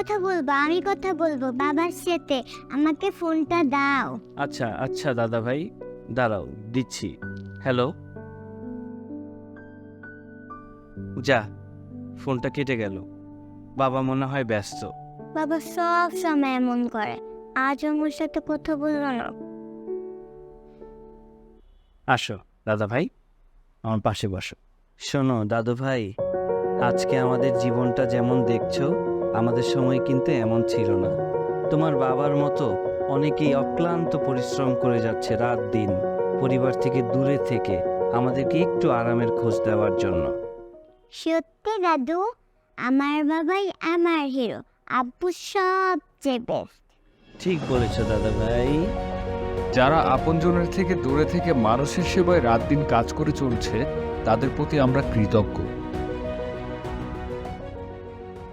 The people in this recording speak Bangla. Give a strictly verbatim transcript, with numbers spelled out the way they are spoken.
কথা বলবো, আমি কথা বলবো বাবার সাথে। আমাকে ফোনটা দাও। আচ্ছা আচ্ছা দাদা ভাই, দাঁড়াও দিচ্ছি। হ্যালো। যা, ফোনটা কেটে গেল। বাবা মনে হয় ব্যস্ত। বাবা সব সময় এমন করে, আজ আমার সাথে কথা বললো না। আসো দাদা ভাই, আমার পাশে বসো। শোনো দাদু ভাই, আজকে আমাদের জীবনটা যেমন দেখছো, আমাদের সময় কিন্তু এমন ছিল না। তোমার বাবার মতো অনেকেই অক্লান্ত পরিশ্রম করে যাচ্ছে রাত দিন, পরিবার থেকে দূরে থেকে আমাদেরকে একটু আরামের খোঁজ দেওয়ার জন্য। সত্যি দাদু, আমার বাবাই আমার হিরো, আব্বু সবচেয়ে বেস্ট। ঠিক বলেছো দাদা ভাই। যারা আপনজনের থেকে দূরে থেকে মানুষের সেবায় রাত দিন কাজ করে চলছে, তাদের প্রতি আমরা কৃতজ্ঞ।